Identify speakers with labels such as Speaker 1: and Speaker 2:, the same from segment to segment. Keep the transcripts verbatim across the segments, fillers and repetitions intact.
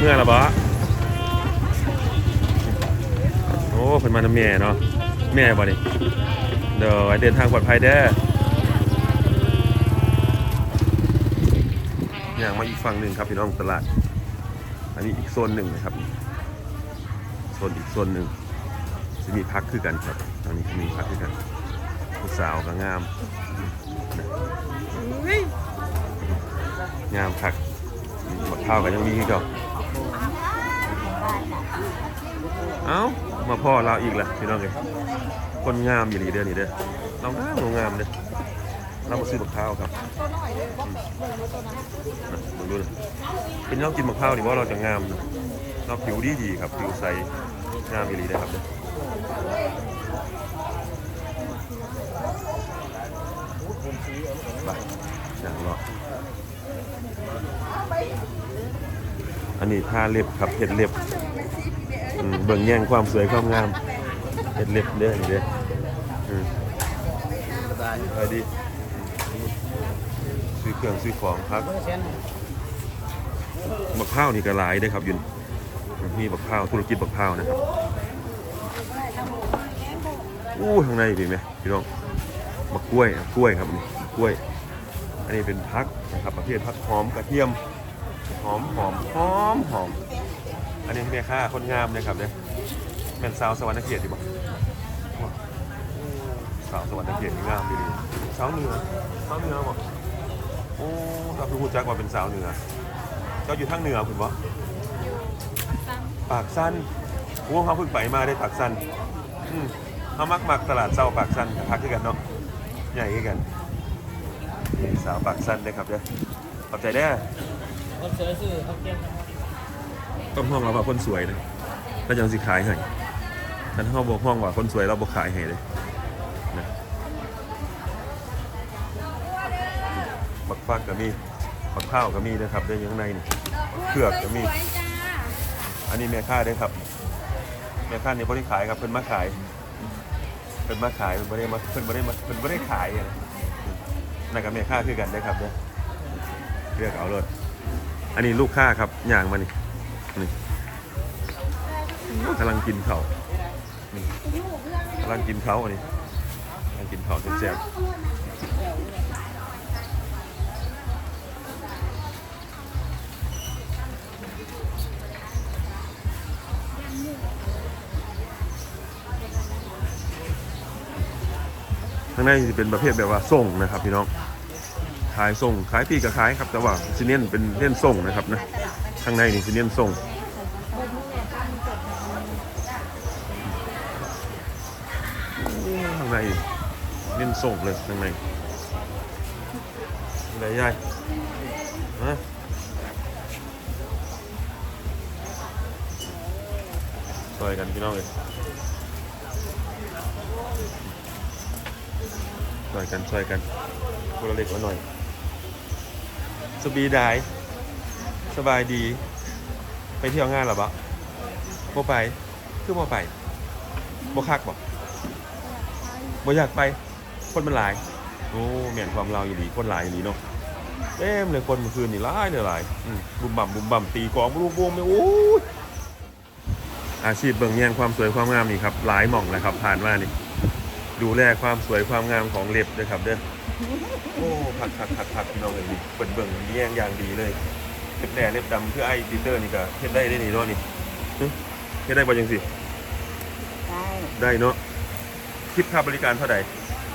Speaker 1: มื่อละบ่โอ้เพิ่นมาทำแม่เนาะแม่บ่นี่เดี๋ยวเดินทางปลอดภัยเด้ออย่างมาอีกฝั่งหนึ่งครับพี่น้องตลาดอันนี้อีกโซนหนึ่งนะครับโซนอีกโซนหนึ่งจะมีพักคือกันครับตอนนี้มีพักคือกันผู้สาวก็งามงามพักหมดข้าวกันยังมีอีกเหรอเอ้ามาพ่อเราอีกละพี่น้องเลยคนงามอยู่ดีเด้อนี่เด้อเรางามเรางามเด้อเรามาซื้อบักข้าวครับมาดูเลยเป็นเรากินบักข้าวดีว่าเราจะงามเราผิวดีดีครับผิวใสงามอยู่ดีได้ครับเด้อไปอย่างรออันนี้ทาเล็บครับเห็ดเล็บเบิ่งแย่งความสวยความงามเห็ดเล็บเด้อนี่เด้อไปดีซื้อเครื่องซื้อของครับบักข้าวนี่ก็หลายได้ครับยุนมีบักข้าวธุรกิจบักข้าวนะครับอู้ข้างในเป็นไหมพี่น้องบักกล้วยกล้วยครับนี่กล้วยอันนี้เป็นพักนะครับประเภทพักหอมกระเทียมหอมหอมหอมหอมอันนี้แม่ค้าคนงามนะครับเนี่ยแม่นสาวสวรรค์เกียรติดีบ่สาวสวรรค์เกียรติงามดีสาวเหนือสาวเหนือบ่โอ้เราพูดจักว่าเป็นสาวเหนือเจ้าอยู่ทางเหนือคุณบ่ปากสั้นโอ้เขาเพิ่งไปมาได้ปากสั้นอืมเขามักมักตลาดเศร้าปากสั้นพักด้วยกันเนาะใหญ่ด้วยกันนี่สาวปากสั้นได้ครับเด้อขอบใจได้คนสวยซื่อเขาเก่งต้องห้องเราว่าคนสวยนะก็ยังสิขายให้ท่านห้องบอกห้องว่าคนสวยเราบอกขายให้เลยนะบักฟักก็มีบักข้าวก็มีนะครับได้ยังในนี่เผือกก็มีอันนี้แม่ค้าได้ครับแม่ค้านี่บริขายครับเพิ่นมาขายเพิ่นมาขายเพิ่นบ่ได้มาเพิ่นบ่ได้มาเพิ่นบ่ได้ขายนั่นกับแม่ค้าคือกันได้ครับเนี่ยเลือกเอาเลยอันนี้ลูกค้าครับย่างมานี่นี่กำลังกินเขากำลังกินเขาอันนี้กำลังกินเขาแซ่บข้างในจะเป็นประเภทแบบว่าส่งนะครับพี่น้องขายส่งขายปีกับขายครับแต่ว่าซีเนียนเป็นเล่นส่งนะครับนะข้างในนี่ซีเนียนส่งข้างในเล่นส่งเลยข้างในอะไรใหญ่ฮะช่วยกันพี่น้องเลยช่วยกันช่วยกันคนละเล็กละหน่อยสบีได้สบายดีไปเที่ยวงานหรอปะโมไปคือโมไปโมคักบอกโมอยากไปคนมันหลายโอ้เหมือนความเราอยู่ดีคนหลายอยู่ดีเนาะเต็มเลยคนเมื่อคืนนี่หลายเลยหลายบุ่มบ่ำบุ่มบ่ำตีกองลูกวงไม่โอ้อาชีพเบิ่งแย่งความสวยความงามนี่ครับหลายหม่องเลยครับผ่านมานี่ดูแลความสวยความงามของเล็บด้วยครับเด้อโอ้ผักผักผักผักพี่น้องเลยดิเปิดเบิ่งแย่งอย่างดีเลยเล็บแดงเล็บดำเพื่อไอ้ปีเตอร์นี่ก็เฮ็ดได้ได้นี่เนาะนี่เฮ็ดได้บ่ยังสิได้ได้เนาะคิดค่าบริการเท่าไหร่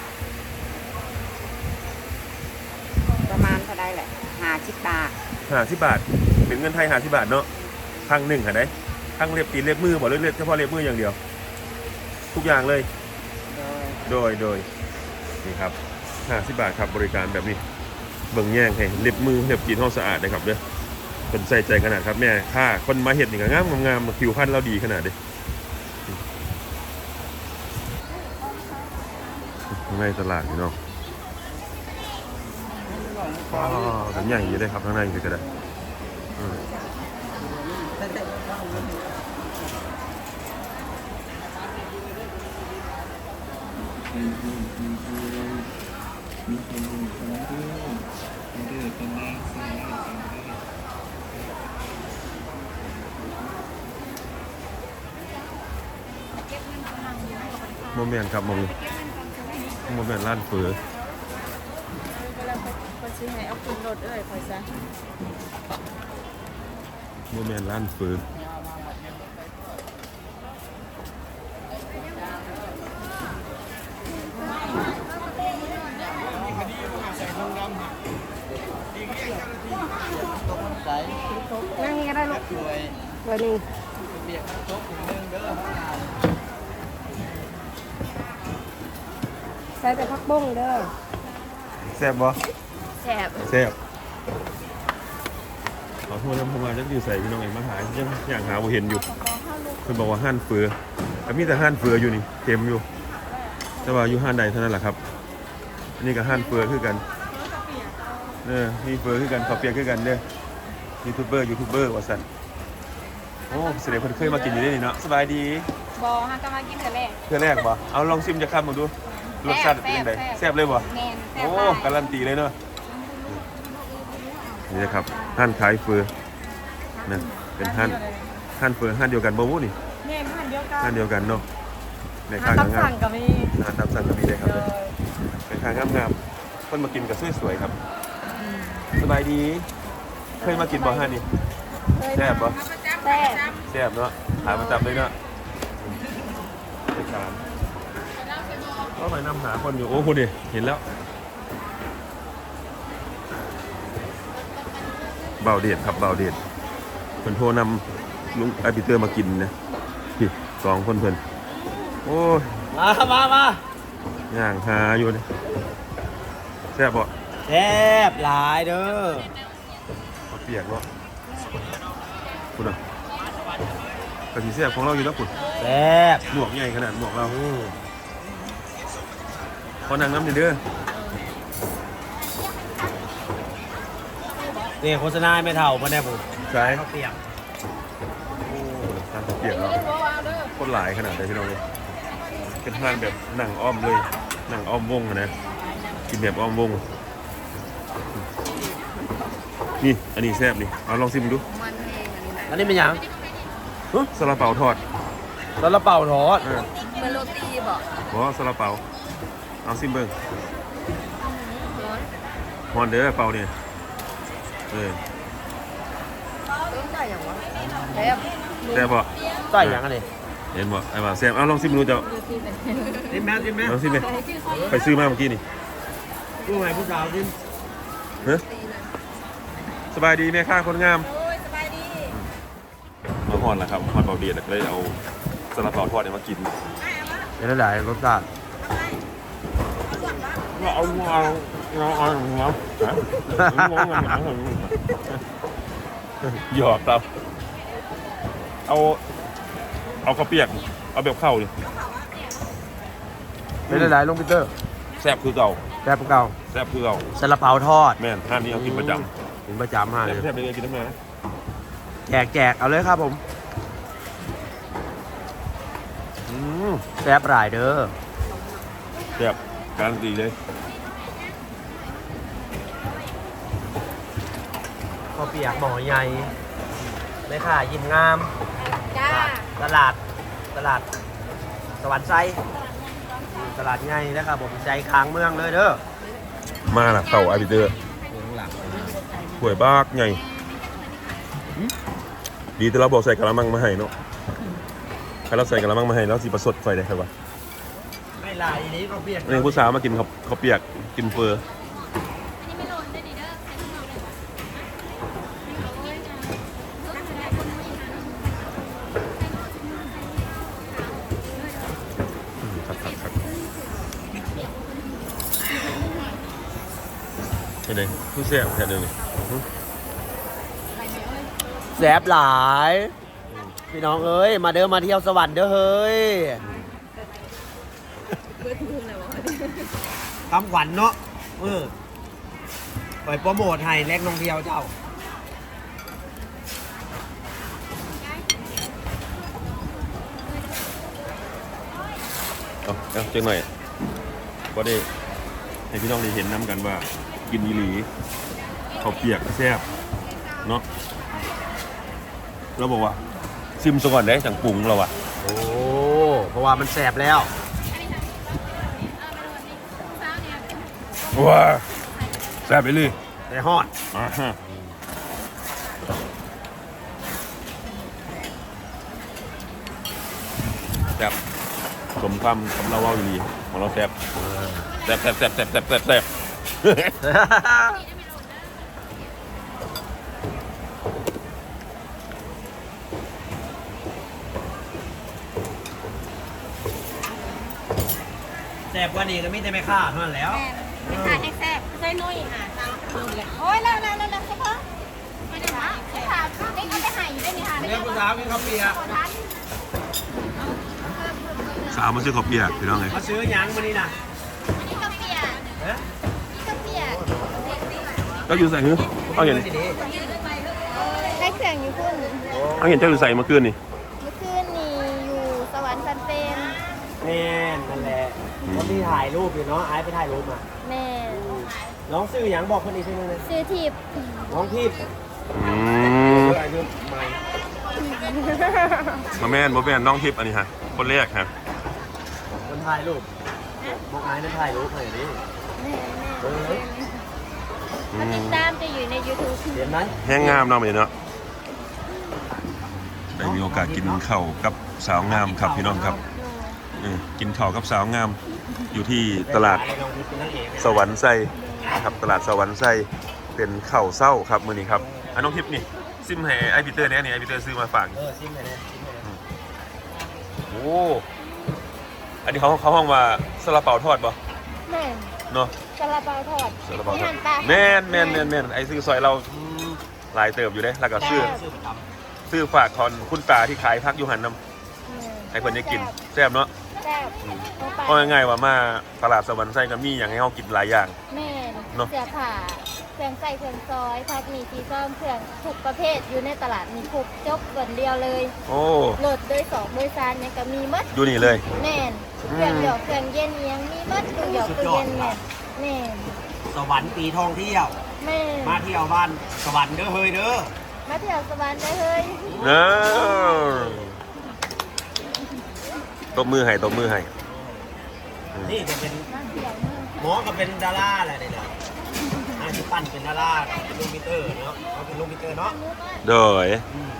Speaker 2: ประมาณเท่าไรแหละห้าสิบบาท
Speaker 1: ห้าสิบบาทเป็นเงินไทยห้าสิบบาทเนาะครั้งหนึ่งค่ะได้ครั้งเล็บตีนเล็บมือบ่เล็บเฉพาะเล็บมืออย่างเดียวทุกอย่างเลยโดยโดยนี่ครับห้าสิบบาทครับบริการแบบนี้เบิ่งแย่งให้เล็บมือเล็บตีนห้องสะอาดนะครับเด้อเป็นใส่ใจขนาดครับแม่ค่าคนมาเห็ดนี่ก็งามงามผิวพรรณเราดีขนาดเด้ในตลาดนี่เนาะอ๋อกันใหญ่อยู่ได้ครับข้างในก็ได้โมเมนต์ครับมองโมเมนต์ร้านเฟือ
Speaker 3: เวลาคนซื้อให้เอาขึ้นรถเอ้ยคอยซะ
Speaker 1: โมเมนต์ร้านเฟือ
Speaker 2: นั่งนี่ก็ได้ลูกเบอร์หนึ่งใส่แต่ผักบุ้งเด้อ
Speaker 1: แซ่บบ่
Speaker 3: แซ่บ
Speaker 1: แซ่บขอโทษนะผมมาจะอยู่ใส่พี่น้องเองมาหายังอย่างหาบ่เห็นอยู่เพิ่นบอกว่าห้านเฟือแต่มีแต่ห้านเฟืออยู่นี่เต็มอยู่แต่ว่าอยู่ห้านใดเท่านั้นแหละครับอันนี้ก็ห้านเฟือคือกันเออมีเฟือคือกันข้าวเปียกคือกันเด้อยูทูบเบอร์ยูทูบเบอร์ว่าซั่นโอ้แสดงเพิ่นเคยมากินอยู่ได้นี่เนาะสบายดี
Speaker 3: บอฮะก็มากินแต่แรก
Speaker 1: เพื่อแรกบ่เอาลองชิมจะคำมาดูรสชาติเป็นยังไงแซ่บเลยบ่
Speaker 3: แมนแซ่บ
Speaker 1: โอ้
Speaker 3: มาก
Speaker 1: การันตีเลยเนาะนี่นะครับห้านขายเฟือนะเป็นห้านห้านเฟือห้านเดียวกันบ่วู้นี่
Speaker 3: แม่พันเดียวกัน
Speaker 1: ห้านเดียวกันเนาะใน
Speaker 3: ถ้า
Speaker 1: ข้าง
Speaker 3: ตับ
Speaker 1: งา
Speaker 3: สั่
Speaker 1: ม
Speaker 3: งก็มี
Speaker 1: ๆห้านตามสั่งก็มีเลยครับเป็นข้างงามๆคนมากินกับสวยๆครับสบายดี เคยมากินบ่ห้านนี่แซ่บบ่
Speaker 3: แซ่บ
Speaker 1: แซ่บเนาะหาประจำเลยเนาะไปทานก็ไปนำหาคนอยู่โอ้คุณดิเห็นแล้วเบาเดชครับเบาเดชเพิ่นโทรนำลุงไอปีเตอร์มากินนะพี่สองคนเพิ่นโอ้ย
Speaker 4: มามามา
Speaker 1: ย่างหาอยู่นี่แซ่บบ่
Speaker 4: แซ่บหลายเด้อ
Speaker 1: เอาเปียกเนาะคุณอ่ะกะทิแซ่บของเราอยู่แล้วคุณ
Speaker 4: แซ่บ
Speaker 1: หมวกใหญ่ขนาดหมวกเรา
Speaker 4: อืม
Speaker 1: ขอนางน้ำหน่อยเด้อ
Speaker 4: นี่โฆษณาให้ไม่เท่ามาแน่ผม
Speaker 1: ใช่
Speaker 4: ข้าวเปียก
Speaker 1: โอ้ทานข้าวเปียกเราโคตรหลายขนาดเลยพี่น้องเลยเป็นทานแบบหนังอ้อมเลยหนังอ้อมวงอะนะกินแบบอ้อมวงนี่อันนี้แซ่บนี่เอาลองชิมดู
Speaker 3: มันเองอันนี้นะ
Speaker 4: อันนี้เป็นหยัง
Speaker 1: เฮ้ยซาลาเปาทอด
Speaker 4: ซาลาเปาทอด
Speaker 1: เออ
Speaker 3: เป็นโรตีบอก
Speaker 1: บอกว่าซาลาเปาเอาซิมเบิ้ง
Speaker 3: ร้อน
Speaker 1: ฮอนเด้อเปาเนี่ยเออ
Speaker 3: ต้องจ่ายอย่างวะแซ่บ
Speaker 1: แซ่บบ่
Speaker 4: ใส่หยังอันนี้
Speaker 1: เห็นบ่ไอ้บ่าแซ่บเอาลองซิมดูเจ้า
Speaker 3: โรตีเป็น
Speaker 4: จิ้มแม่จิ้มแม่
Speaker 1: ลองซิมเลยไปซื้อมาเมื่อกี้นี่
Speaker 4: ผู้ใหม่ผู้สาวจิ้ม
Speaker 1: เฮ้ยสบายดีแม่ค้าคนงาม
Speaker 3: โอ้ยสบายดี
Speaker 1: มาฮอนแล้วครับฮอนเบาเดียดเลยเอาซาลาเปาทอดเนี่ยมากิน
Speaker 4: เป็นหลายรสชาติ
Speaker 1: เอาเอาเอาเอาเอาเอาหยอกครับเอาเอาข้าวเปียกเอาแบบเข้าเลย
Speaker 4: เป็นหลายลุงปีเตอร์
Speaker 1: แซ่บคือเก่า
Speaker 4: แซ่บเก่า
Speaker 1: แซ่บคือเก่า
Speaker 4: ซาลาเปาทอด
Speaker 1: แม่นห้านนี้เอากินประจ
Speaker 4: กินประจำฮะ
Speaker 1: ำแซ่บแซ่บเลยกินทั้งนั้น
Speaker 4: แจกแจกเอาเลยครับผม
Speaker 1: อืม
Speaker 4: แซ่บหลายเด้อ
Speaker 1: แซ่บการันตีเลย
Speaker 4: ข้าวเปียกหม้อใหญ่แม่ค่ะยิ้มงาม
Speaker 3: จ้า
Speaker 4: ตลาดตลาดสวรรค์ไซตลาดใหญ่นะครับผมใจกลางเมืองเลยเด้อ
Speaker 1: มาละเต่าอาบิเตอร์
Speaker 4: หลัง
Speaker 1: หวยบากไงดีแต่เราบอกใส่กระมังมาให้เนาะถ้าเราใส่กระมังมาให้แล้วสิประสดไฟได้ครับวะ
Speaker 4: ไม่หลายนี้ข้าวเปียก
Speaker 1: นี่ผู้สาวมากินข้าวข้าวเปียกกินเฟอร์อืมครับครับครับเห็นไหมผู้แซ่บแค่เดิมนี่
Speaker 4: แซ่บหลาย พี่น้องเอ้ย มาเด้อมาเที่ยวสวรรค์เด้อเฮ้ยคำขวัญเนาะเออปล่อยโปรโมทให้แลกน้องเที่ยวเจ้า
Speaker 1: เอาเอาเจังหน่อยก็ได้ให้พี่น้องได้เห็นน้ำกันว่ากินอีหลีข้าวเปียกแซ่บเนาะเราบอกว่าซิมซะก่อนได้จังปรุงเราอะ
Speaker 4: โอ้ เพราะว่ามันแสบแล้ว
Speaker 1: ว้าแซ่บไปเลย
Speaker 4: ได้ฮอด
Speaker 1: อ่าฮะแซ่บสมคำคำเราเว่าอยู่ดีของเราแซ่บแซ่บแซ่บแซ่บแซ่บแซ่บแซ่บแซ่บ
Speaker 4: แซ่บกว่านี้ก็มีแต่ไม่ค่าเท่านั้นแล้ว
Speaker 3: แม่ไม่ทานให้แซ่บใส่นุ่ยค่ะตามคืนเลยโอ้ยแล้วแล้วแล้วแล้วใช่ปะไม่ได้ค่ะไม่ทานนี่ก็จะหายอยู่ได้ไหมคะ
Speaker 4: เรื่องผู้สาวกินข้าวเปียก
Speaker 1: สาวมาซื้อข้าวเปียกพี่น้องไง
Speaker 4: มาซื้อหยังมื้อนี้น่ะ
Speaker 3: นี่ก็เปียก
Speaker 4: เอ๊ะ
Speaker 3: นี่ก็เปียก
Speaker 1: ก็อยู่ใส่หื้อเอาเห็น
Speaker 4: สิดี
Speaker 3: ให้เครื่องอยู่พุ่น
Speaker 1: เอาเห็นเจ้าอยู่ใส่เมื่อคืนนี่
Speaker 3: เมื่อคืนนี่อยู่สวรรค์ซันเฟน
Speaker 4: แม่นนั่นแหละคนที่ถ่ายรูปอยู่เนาะไอ้ไปถ่ายรูปมา
Speaker 3: แม่
Speaker 4: น้องซื้อหยังบอกคนอีกทีนึงเลย
Speaker 3: ซื้อทิพย์
Speaker 4: น้องทิพย์
Speaker 1: อืม
Speaker 4: เอออายุใหม่
Speaker 1: มาแม่นบ่แม่นน้องทิพย์อันนี้ฮะคนแรกฮะ
Speaker 4: คนถ่ายรูปบอกไอ้นั่นถ่ายรูปหน่อยดิ
Speaker 3: แม่
Speaker 4: เออ
Speaker 1: อื
Speaker 3: แม่ติด
Speaker 1: ม
Speaker 3: ตามจะอยู่ใน YouTube
Speaker 4: เห็นไหม
Speaker 1: แห้งงามเนาะมื้อนี้เนาะได้มีโอกาสกินข้าวกับสาวงามครับพี่น้องครับเออกินข้าวกับสาวงาม อยู่ที่ตลาด
Speaker 4: น้องทิพย์เป็นนางเอก
Speaker 1: สวรรค์ไส้ครับตลาดสวรรค์ไส้เป็นข้าวเศร้าครับมื้อนี้ครับอันน้องทิพย์นี่ซิมให้ไอพีเตอร์เนี่ยนี่ไอพีเตอร์ซื้อมาฝาก
Speaker 4: เออชิมเลยนะชิมเลยนะ
Speaker 1: โอ้อันนี้เขาเขาห้องว่าซาลาเปาทอดป่ะ
Speaker 3: แม่
Speaker 1: เนาะ
Speaker 3: ซาลาเปาทอด
Speaker 1: ซาลาเปาทอด
Speaker 3: มีหั่นปลา
Speaker 1: แม่นแม่นแม่นแม่นไอซื้อซอยเราหลายเติบอยู่เด้แล้วก็ซื้อ
Speaker 4: ซื้อประจ
Speaker 1: ซื้อฝากคอนคุณตาที่ขายพักอยู่หันน้ำให้คนได้กินแซ่บเนาะ
Speaker 3: แซ่บเอาไป
Speaker 1: เพราะง่ายๆว่ามาตลาดสวรรค์ไส้ก็มีอย่างให้เขากินหลายอย่าง
Speaker 3: แม่น
Speaker 1: เนอะ
Speaker 3: เสื้อผ้าเครื่องใส่เครื่องซอยผักหมี่ซีซ้อมเครื่องทุกประเภทอยู่ในตลาดมีครบจบส่วนเดียวเลย
Speaker 1: โอ้
Speaker 3: โหลดโดยสองโดยสารเนี่ยก็มีหมัด
Speaker 1: ดูนี่เลย
Speaker 3: แม่นเครื่องหยอกเครื่องเย็นเอียงมีหมัดเครื่องหยอกเครื่องเย็นแม่นแม่น
Speaker 4: ำสวรรค์ปีท่องเที่ยว
Speaker 3: แม่น
Speaker 4: มาเที่ยวบ้านสวรรค์เด้อเฮ้ยเด้อ
Speaker 3: มาเที่ยวสวรรค์ได้เฮ้ย
Speaker 1: เออตบมือให้ตบมือให้
Speaker 4: นี่จะเป็น
Speaker 3: มาเที่ยวเมือง
Speaker 4: หมอก็เป็นดาราอะไรเนี่ยอาชีพปั้นเป็นดาราเป็นลูกมิเตอร์เนาะเขาเป็นลูกมิเตอร์เนาะ
Speaker 1: โดย
Speaker 4: อืม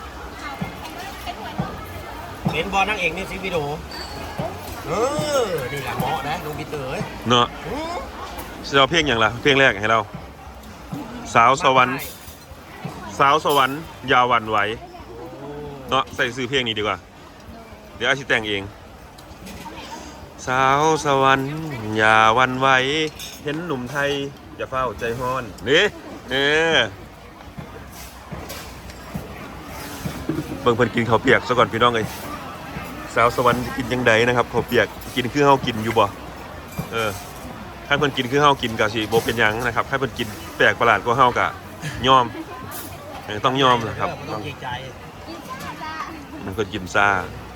Speaker 4: เห็นบอลนางเอกนี่ซิวิโดเออนี่แหละหมอนะลูกมิเตอร์เอ้ย
Speaker 1: เนาะ
Speaker 4: อืม
Speaker 1: จะเอาเพลงอย่างละเพลงแรกให้เรา สาวสวรรค์สาวสวรรค์อยาหวันไหว
Speaker 4: โอ้
Speaker 1: เนาะใส่ซื้อเพลงนี้ดีกว่า เดี๋ยวอาชิแต่งเอง สาวสวรรค์อย่าหวันไหวเห็นหนุ่มไทยอย่าเฝ้าใจฮ้อนนี่เออเบิ่งเพิ่นกินข้าวเปียกซะก่อนพี่น้องเอ้ยสาวสวรรค์กินยังไงนะครับข้าวเปียกกินคือเฮากินอยู่บ่เออถ้าเพิ่นกินคือเฮากินก็สิบ่เป็นหยังนะครับถ้าเพิ่นกินแปลกประหลาดกว่าเฮาก็ยอมเออต้องยอมนะครับ
Speaker 4: ต้
Speaker 1: ต้
Speaker 4: อ
Speaker 1: อง ง
Speaker 4: เกรงใจ
Speaker 1: มันก็กินซ่า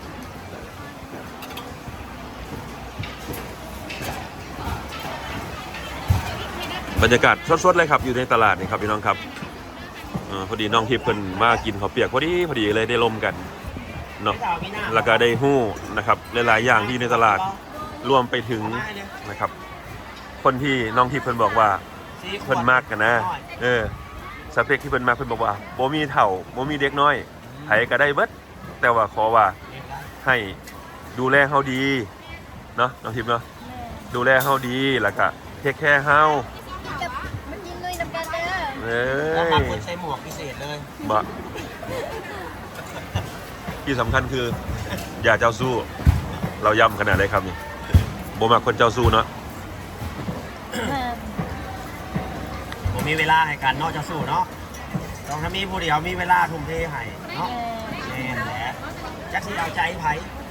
Speaker 1: บรรยากาศสดๆเลยครับอยู่ในตลาดนี่ครับพี่น้องครับเออพอดีน้องทิพย์เพิ่นมากินข้าวเปียกพอดีพอดีเลยได้ลมกันเนาะ
Speaker 4: ไม่ต้องเอามีหน้า
Speaker 1: แล้วก็ได้หู้นะครับหลายๆอย่างที่ในตลาดรวมไปถึง
Speaker 4: เอามาให้เลย
Speaker 1: นะครับ คนที่น้องทิพย์เพิ่นบอกว่า
Speaker 4: สี่ขวด
Speaker 1: เพิ่นมากกันนะเออสเปคที่เพิ่นมากเพิ่นบอกว่าบ่มีเฒ่าบ่มีเด็กน้อยไผก็ได้เบิดแต่ว่าขอว่าให้ดูแลเฮาดีเนาะน้องทิพย์เนาะดูแลเฮาดีแล้วก็เทคแคร์เฮา
Speaker 3: มันยินลุยน้ำกันเด้อ
Speaker 1: เอ้
Speaker 4: แล้ว
Speaker 1: ย
Speaker 4: บางคนใช้หมวกพิเศษเลย
Speaker 1: บ่ที่สำคัญคืออย่าเจ้าสู้ เราย้ำขนาดได้ครับนี่บ่มักคนเจ้าสู้เนาะ
Speaker 4: ผมมีเวลาให้กันเนาะจะสู้เนาะต้องถ้ามีผู้เดียวมีเวลาทุ่มเทให้เนาะแน่นแหละจักสิเอาใจไผ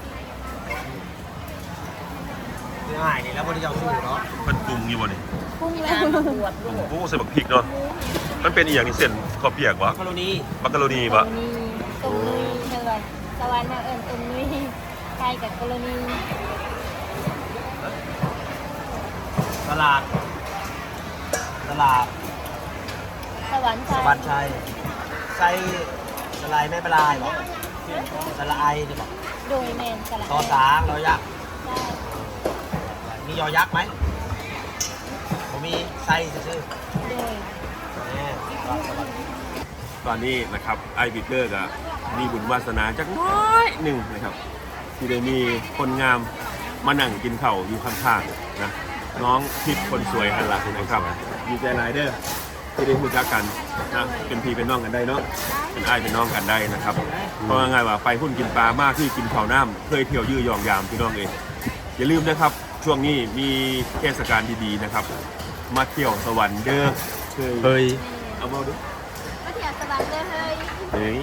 Speaker 4: คือหายนี่แล้วผู้เดียวสู้เนาะ
Speaker 1: เพิ่นปรุงอยู่บ่นี่
Speaker 3: พุ่งแล้วปวด
Speaker 1: ปรุงโอ้ใส่บักพริกเนาะมันเป็นอีหยังนี่เส้นข้าวเปียกบ่
Speaker 4: กรณี
Speaker 1: มักกะโรนีบ่
Speaker 3: นี่ตรงนี้เท่าไหร่สวรรค์มาเอิญตรงนี้ใครกับกรณี
Speaker 4: ตลาด ตลาด
Speaker 3: สวรรค์
Speaker 4: สวัสดิ์ชัยใส่สไลด์ไม่เป็นไรหรอกสไลด์นี่บอก
Speaker 3: โดยแมนสลัด
Speaker 4: ต่อสางรอยักษ์
Speaker 3: ได้
Speaker 4: มียอยักษ์ไหมผมมีไส้ซื่อ
Speaker 3: โดย
Speaker 4: ๆแม่ก็สวัสดี
Speaker 1: ตอนนี้นะครับไอบิเกอร์ก็มีบุญวาสนาจักน้อยหนึ่งนะครับที่ได้มีคนงามมานั่งกินข้าวอยู่ข้างๆนะน้องทิพย์คนสวยฮันล่ะนะครับดีใจหลายเด้อที่ได้รู้จักกันนะเป็นพี่เป็นน้องกันได้เนาะเป็นอ้ายเป็นน้องกันได้นะครับเพราะว่าไงว่าไปหุ้นกินปลามากที่กินข้าวน้ำเคยเที่ยวยื้อยองยามพี่น้องเองอย่าลืมนะครับช่วงนี้มีเทศกาลดีๆนะครับมาเที่ยวสวรรค์เด้อเคยเอามาดู
Speaker 3: มาเที่ยวสวรรค์เด้อเฮ้ย
Speaker 1: เฮ้ย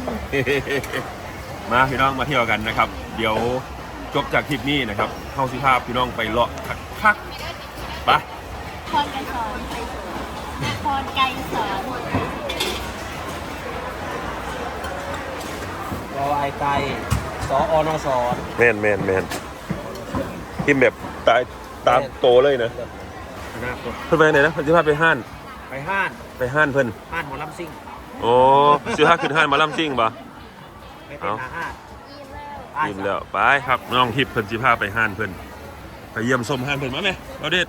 Speaker 1: มาพี่น้องมาเที่ยวกันนะครับ เดี๋ยวจบจากทริปนี้นะครับเข้าสิภาพพี่น้องไปเลาะคักๆไป
Speaker 3: พรไกรสอนพรไกรสอน
Speaker 4: รอไอไก่สออนอสอน
Speaker 1: แมนแมนแมนทิมแบบตายตามโตเลยนะ
Speaker 4: นะครับ
Speaker 1: เพิ่นไปไหนนะเพิ่นสิพาไปห้าน
Speaker 4: ไปห้าน
Speaker 1: ไปห้านเพิ่น
Speaker 4: ห้านหมอลำซิ่ง
Speaker 1: โอ้สิพาขึ้นห้านมาล่ำซิ่งบ่
Speaker 4: ไปเป็นหาห้าน
Speaker 3: อิ่มแล้ว
Speaker 1: ยิ้มแล้วไปครับน้องทิพย์เพิ่นสิพาไปห้านเพิ่นไปเยี่ยมชมห้านเพิ่นมาแม่เอาเด็ด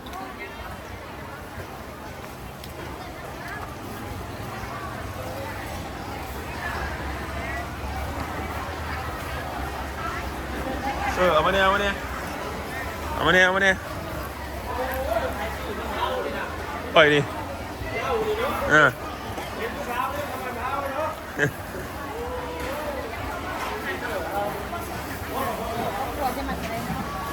Speaker 1: เออเอามาเนี่ยเอามาเนี่ยเอามาเนี่ยเอามาเนี่ยปล่อยดิเออ
Speaker 3: หัวจะมาอะไร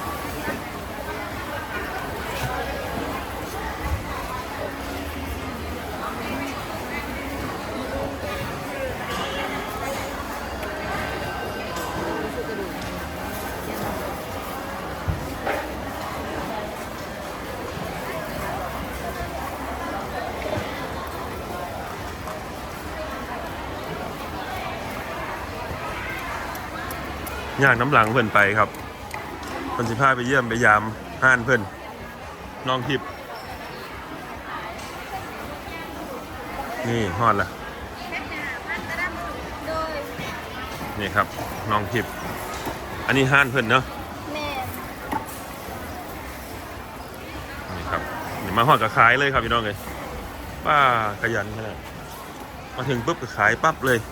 Speaker 1: ย่างน้ำหลังเพิ่นไปครับเพิ่นสิพาไปเยี่ยมไปยามห้านเพิ่นน้องทิพย์นี่ฮอดละ
Speaker 3: โดย
Speaker 1: นี่ครับน้องทิพย์อันนี้ห้านเพิ่นเนาะ
Speaker 3: แม่
Speaker 1: นี่ครับนี่มาฮอดก็ขายเลยครับพี่น้องเลยป้าขยันขนาดมาถึงปุ๊บก็ขายปั๊บเลย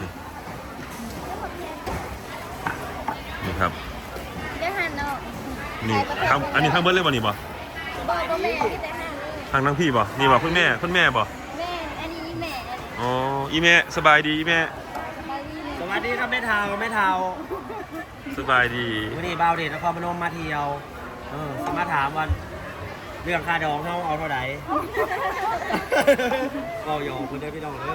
Speaker 1: นี่ครับ
Speaker 3: ได้หันเนาะ
Speaker 1: นี่ทางอันนี้ทางเบิร์ดเลยบ่นี่บ่
Speaker 3: บอกว่าแม่ที่ได้หันเลย
Speaker 1: ทางทั้งพี่บ่นี่บ่คุณแม่คุณแม่บ่
Speaker 3: แม่อันนี้แม่
Speaker 1: อ๋ออีแม่สบายดีอีแม่
Speaker 4: สวัสดีครับแม่เทาแม่เทา
Speaker 1: สบายดี
Speaker 4: วันนี้บ่าวเดชนครพนมมาเที่ยวเออสมาถามวันเรื่องค่าดองเขาเอาเท่าไหร่ ก็ยอมคุณเด้อพี่น้องเด้อ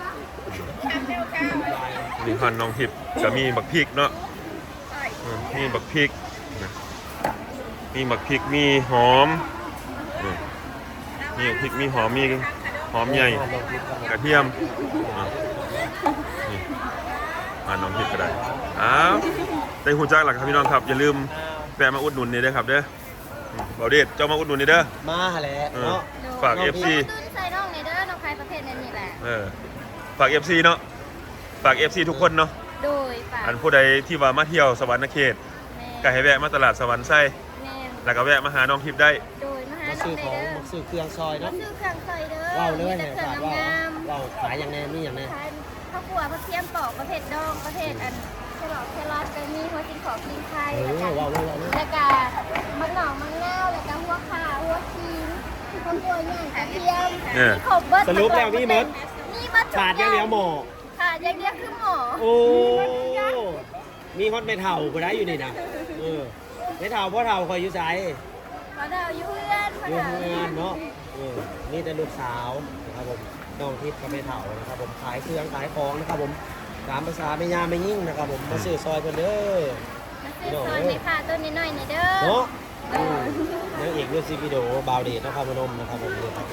Speaker 1: นี่ฮอนน้องทิพย์ก็มีบักพริกเนาะอืมมีบักพริกนะมีบักพริกมีหอมนี่มีบักพริกมีหอมมีหอมใหญ่กระเทียมอ่ะนี่มาน้องทิพย์ก็ได้อ้าวได้หูจักหลักครับพี่น้องครับอย่าลืมแวะมาอุดหนุนนี่เด้อครับเด้ออืมเบาเดชเจ้ามาอุดหนุนนี่เด้อ
Speaker 4: มาแหละ
Speaker 1: เออ
Speaker 4: เนาะ
Speaker 1: ฝาก
Speaker 4: น้อง
Speaker 1: เอฟ
Speaker 4: พี่
Speaker 1: ซี
Speaker 3: ตื้นใส่น้องในเด้อน้องใครประเภทนั้นนี่แหละ
Speaker 1: เออฝาก เอฟ ซี เนาะฝาก เอฟ ซี ทุกคนเนาะ
Speaker 3: โดยฝาก
Speaker 1: อันผู้ใดที่ว่ามาเที่ยวสวรรค์เขต
Speaker 3: แม่
Speaker 1: ก็ให้แวะมาตลาดสวรรค์ไส้
Speaker 3: แม่
Speaker 1: แล้วก็แวะมาหาน้องทิพย์ได้
Speaker 3: โดยมาหา
Speaker 4: มา
Speaker 3: น้อ
Speaker 4: ซื้
Speaker 3: ง
Speaker 4: อ
Speaker 3: ใน
Speaker 4: ของ
Speaker 3: เด้อ
Speaker 4: มาซื้อเครื่องซอย
Speaker 3: มา
Speaker 4: เนาะ
Speaker 3: ซื้อเครื่องใส่เด้อ
Speaker 4: เล่าเลย
Speaker 3: มี
Speaker 4: เนี่ย
Speaker 3: แต่เครื่อง
Speaker 4: ขาดว่า
Speaker 3: งาม
Speaker 4: เราขายอย่างแน่นี่อย่างแน่
Speaker 3: ๆขายข้าวคั่วผักเทียมปอกประเภทดองประเภทอันแครอทแครอทก็มีหัวกินขอกินไข่
Speaker 4: เอ
Speaker 3: แล้ว
Speaker 4: อ
Speaker 3: ก็
Speaker 4: ว้าวว้าวว้าว
Speaker 3: แล้วก็มะนาวมะนาวแล้วก็หัวข่าหัวชีนข้าวคั่วย่างกระเทียม
Speaker 1: เออ
Speaker 3: มีครบเบิด
Speaker 4: สรุปแล้วมีหมด
Speaker 3: มีหมดทุก
Speaker 4: ขาดอย่างเดียวหมอ
Speaker 3: ขาดอย่างเดียวคือหมอ
Speaker 4: โอ้ มีฮอตไม่เท่าก็ได้อยู่นี่นะเออไม่เท่าเพราะเท่าคอยอยู่ใจ
Speaker 3: พอดาวอยู่เพื่อนพอ
Speaker 4: อยู่
Speaker 3: ดาว
Speaker 4: ทำงานเนาะเออนี่แต่ลูกสาวนะครับผมน้องทิพย์กับไม่เท่านะครับผมขายเครื่องขายของนะครับผมตามภาษาไม่ยาไม่ยิ่งนะครับผมมาซื้อซอยเพิ่นเด้อ
Speaker 3: มาซื้อซอยในผ้าต้นนิดหน่อยในเด้อ
Speaker 4: เนาะอืมนางเอกเรื่องซีวิดีโอบาวเดชนะครับพนมนะครับผมนี่ครับ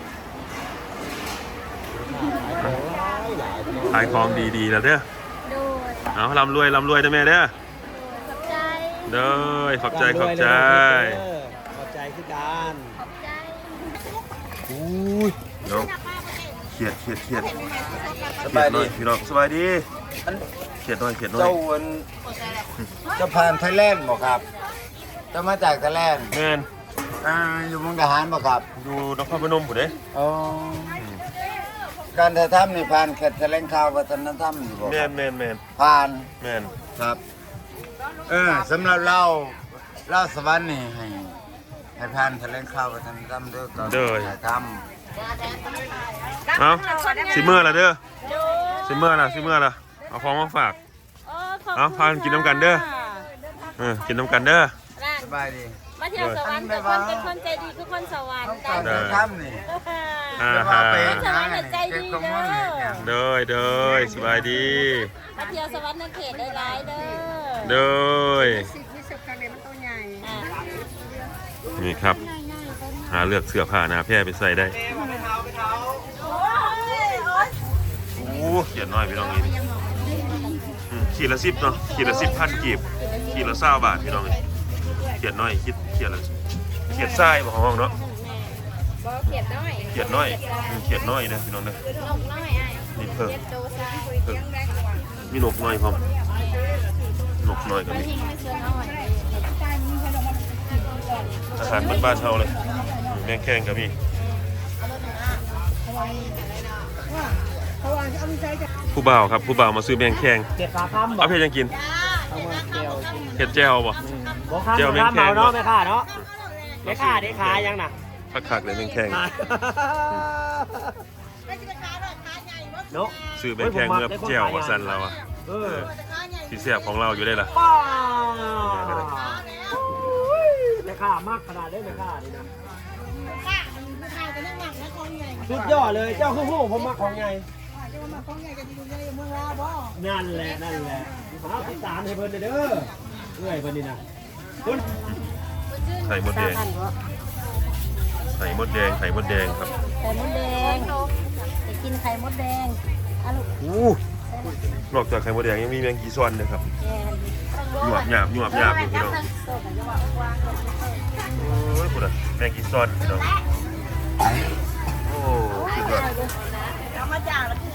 Speaker 4: ขายของหลายหลายพี่น้
Speaker 1: ขายของดีๆแล้วเด้อ
Speaker 3: โดย
Speaker 1: เอาร่ำรวยร่ำรวยนะแม่เด้อ
Speaker 3: โดยขอบใจ
Speaker 1: เด้อขอบใจขอบใจ
Speaker 4: ขอบใจคือการ
Speaker 3: ขอบใจ
Speaker 1: อุ้ยน้องเขียดเขียดเขียด
Speaker 5: สบาย
Speaker 1: หน่
Speaker 5: ดี
Speaker 1: อยพี่น้องสบายดี
Speaker 5: อัน
Speaker 1: เขียดหน่อยเขียดหน่อย
Speaker 5: เจ้าวันเจะผ่านไทยแลนด์บอกครับเจะมาจากไทยแลนด์
Speaker 1: แม่น
Speaker 5: อ่าอยู่มุกดาหารบ่ครับ
Speaker 1: อยู่นครพนมผู้เด้
Speaker 5: อ๋อการถ่ายทำนี่ผ่านแคทแถลงข่าววัฒนธรรมอยู่บ่
Speaker 1: แม่นแม่นแม่น
Speaker 5: ผ่าน
Speaker 1: แม่น
Speaker 5: ครับ เออสำหรับเราเราสวรรค์นี่ให้ให้ผ่านแถลงข่าววัฒนธรรมเด้อก่อนถ่ายท
Speaker 1: เอาสิเมื่อละเด้อสิเมื่อละสิเมื่อละเอาของมาฝากเอาพากันกินน้ำกันเด้อเออกินน้ำกันเด้อ
Speaker 5: ำสบายดี
Speaker 3: มาเที่ยวสวรรค์แต่คนเป็นคนใจดีคือคนสวรรค์
Speaker 5: การถ่ายทำนี่
Speaker 1: อ่า
Speaker 5: จะ
Speaker 1: ฮะ
Speaker 5: ว่าไป
Speaker 3: สวรรค์ใจดีเด้อ
Speaker 1: เด้อเด้อสบายดี
Speaker 3: มาเที่ยวสวรรค์ในเขตได้หลายเด้อ
Speaker 1: เด้อนี่ครับหาเลือกเสื้อผ้าหนาแพร่ไปใส่ได้โอ้เขียนน้อยพี่น้องนี่อืมขีดละสิบเนาะขีดละสิบพันกีบขีดละเศร้าบาทพี่น้องนี่เขียนน้อยคิดเขียนละเขียนทรายบอกห้องเนาะ
Speaker 3: บ่เขียดน้อย
Speaker 1: เขียนน้อยอืมเขียนน้อยเด้อพี่น้องเด้อน
Speaker 3: กน้อยอ้าย
Speaker 1: นี่เพิ่ม
Speaker 3: เขียดโตซะ
Speaker 1: เพิ่มมีนกน้อยพร้อมนกน้อยก็มี
Speaker 3: ทิ้งไว้เสื้อน้อย
Speaker 1: อาหารบ้านๆเฮาเลยอืมแมงแข้งก็มีผู้บ่าวครับผู้บ่าวมาซื้อแมงแข้ง
Speaker 4: เจ็ดปลาคำบอ
Speaker 1: เอา
Speaker 4: ก
Speaker 1: เพชรยังกิน
Speaker 4: เอามาเจียว
Speaker 1: เห็ดแจ่วบ่
Speaker 4: บอกข้าม
Speaker 1: เจียว
Speaker 4: บอกข้าม
Speaker 1: แม่
Speaker 4: เมาง
Speaker 1: แคง
Speaker 4: เนาะไม่ค่าเนาะไม่ค่าได้ขายยังน่ะ
Speaker 1: คักๆเลยแมงแข้ง
Speaker 4: เนาะ
Speaker 1: ซื้อแมงแข้งเมื่อแจ่วว่าซั่นเราอ่ะ
Speaker 4: เออ
Speaker 1: สิแซ่บของเราอยู่ได้ล่ะ
Speaker 4: ป้าไม่ค่ามากขนาดได้ไม่ค่านี่นะสุดยอดเลยเจ้าคู่หูผมมาของไงนั่นแหละนั่นแหละเอาติดตามให้เพิ่นเด้อเอ้ยเพิ่นนี่นะคุณ
Speaker 1: ไข่มดแดงไข่มดแดงไข่มดแดงครับ
Speaker 3: ไข่มดแดงจะกินไข่มดแดงอ่ะลูก
Speaker 1: อู้นอกจากไข่มดแดงยังมีแมงกีซอนนะครับ
Speaker 3: แกน
Speaker 1: หยวบหยาบหยวบหยาบอยู่พี่น้องโอ้ยพุ่นน่ะแมงกีซอนพี่น้องโอ้สุดยอด
Speaker 3: เอามาจากแล้ว